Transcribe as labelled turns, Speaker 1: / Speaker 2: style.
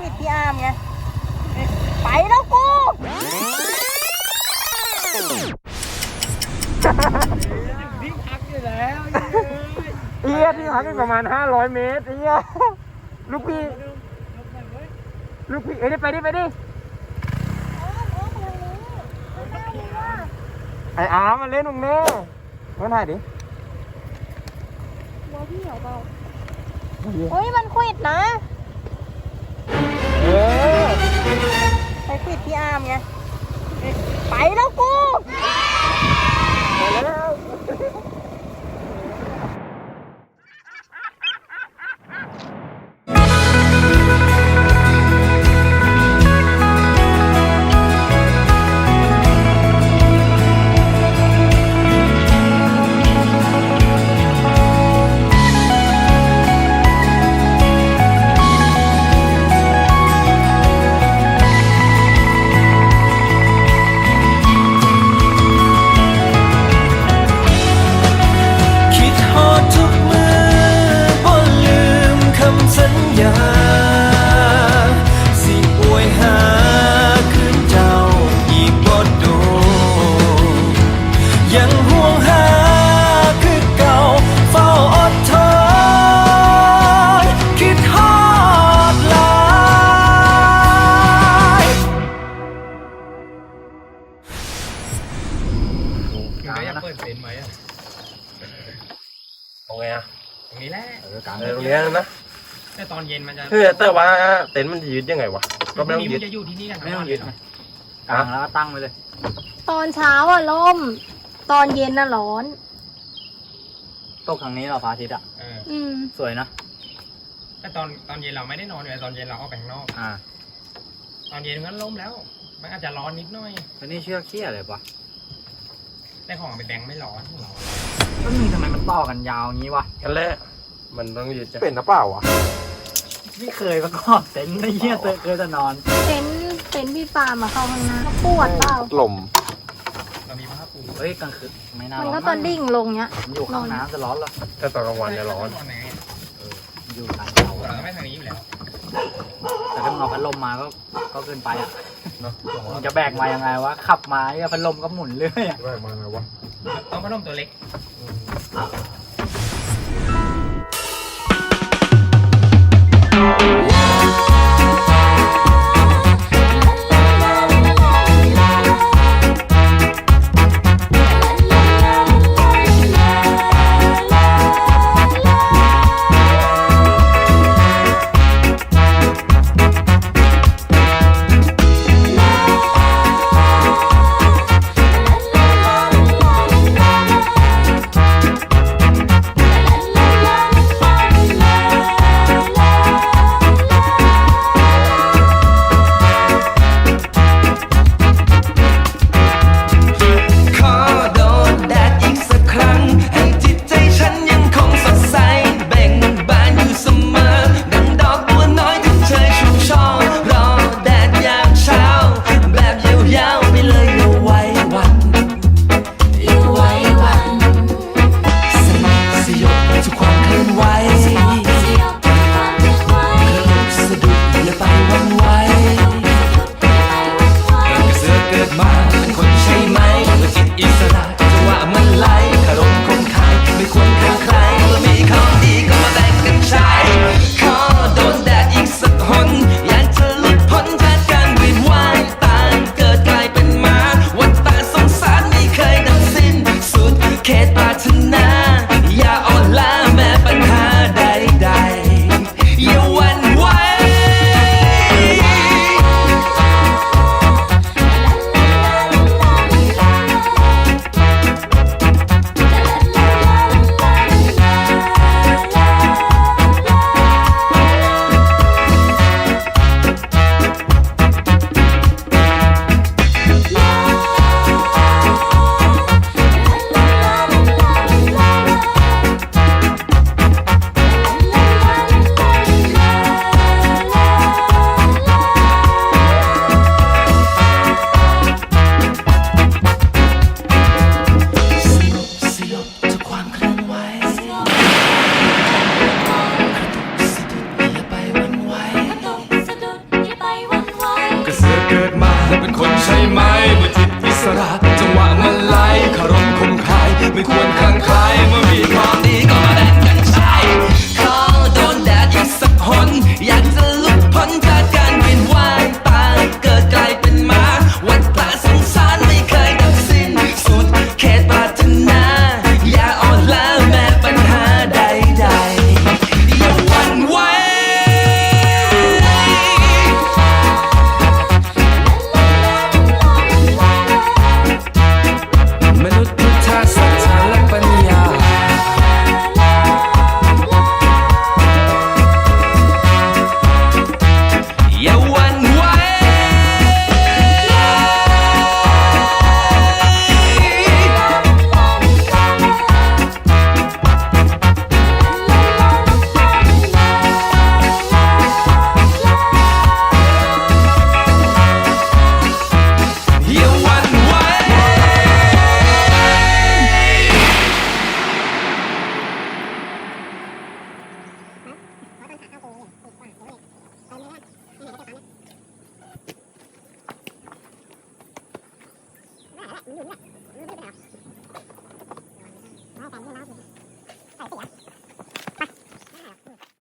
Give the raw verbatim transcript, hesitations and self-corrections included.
Speaker 1: ดพี่อาร์มไงไปแล้วกู
Speaker 2: ที่พักอยู่แล้ว
Speaker 3: เอียที่พักกันประมาณห้าร้อยเมตรเอียลูกพี่ลูกพี่เอ้ยไปดิไปดิไอ้อาร์มมาเล่นตรงนี้มาถ่ายดิ
Speaker 1: หัวพี่เหรอเปล่าโอ้ยมันควิดนะ
Speaker 3: เออ
Speaker 1: ไปควิดพี่อาร์มไงไปแล้วกู
Speaker 3: ไปแล้ว
Speaker 2: เปิดเต็นท์ไหมอ่ะ
Speaker 3: โอเคอ่ะ
Speaker 2: ตรงนี้แหละ
Speaker 3: เออกลางตรงนี้นะ
Speaker 2: แต่ตอนเย็นมันจะ
Speaker 3: เฮ้ยแต่ว่าเต็นท์มันยืดยังไงวะก็ไม่ต้องยืด
Speaker 2: จะอยู่ที่นี่กัน
Speaker 4: ไม่ต้องยืดกลางแล้วก็ตั้งไว้เลย
Speaker 1: ตอนเช้าอะล่มตอนเย็นน่ะร้อน
Speaker 4: ตกทางนี้เราพระอาทิตย์อ่ะ
Speaker 1: อืม
Speaker 4: สวยนะ
Speaker 2: แต่ตอนตอนเย็นเราไม่ได้นอนเลยตอนเย็นเราออกไปข้างนอก
Speaker 4: อ่า
Speaker 2: ตอนเย็นมันล่มแล้วมันอาจจะร้อนนิดหน่อย
Speaker 4: แล้วนี่เชือกเขี้ยอะไรปะ
Speaker 2: แต่ของไปแบงค์ไม่ร้อนร้อน
Speaker 4: ก็มีทำไมมันต่อกันยาวงี้วะ
Speaker 3: กันแหละมันต้องยืดจะเป็นหรือเปล่าวะ
Speaker 4: ไม่เคยประกอบเต็นท์ไม่เยี่ยเตอเคยจะนอน
Speaker 1: เต็นท์เต็นท์พี่ปามาเข้าข้างหน้าก็ปวดเปล่า
Speaker 3: ลม
Speaker 2: เรามีผ้าปู
Speaker 4: เฮ้ยกลางคืนไม่น่า
Speaker 1: มันก็ตอนดิ่งลงเนี้ย
Speaker 4: อยู่ข้างน้ำจะร้อนเหรอ
Speaker 3: แต่ตอนกลางวันจะร้อน
Speaker 4: อยู่กลางเขา
Speaker 2: เราไม่ทางนี้อยู่แล้ว
Speaker 4: แต่ถ้าเอาพัดลมมาก็ก็เกินไปอ่ะมันจะแบกมายังไงวะขับมาไอ้พัดลมก็หมุนเรื่อยอ่ะ
Speaker 3: แบกมาไงวะ
Speaker 2: ต้องพัดลมตัวเล็ก
Speaker 5: คนใช่ไหมเมื่อจิตอิสระจังหวะมันไหลคารมคงคายไม่ควรคลั่งไคล้เมื่อมีความดีก็มาแบ่งกันใช้ขอโดนแดดอีกสักหนอยากจะลุกพ้นจากการเวียนว่ายตายเกิดกลายเป็นหมาวัฏฏะสงสารไม่เคยดับสิ้นสุดเขตปรารถนาอย่าอ่อนล้าแม้ปัญหาใดๆอย่าหวั่นไหวมนุษย์พุทธศาสนาและปัญญาอย่าหวั่นไหวอย่าหวั่นไหว
Speaker 1: Hãy subscribe cho kênh Ghiền Mì Gõ để không bỏ lỡ những video hấp dẫn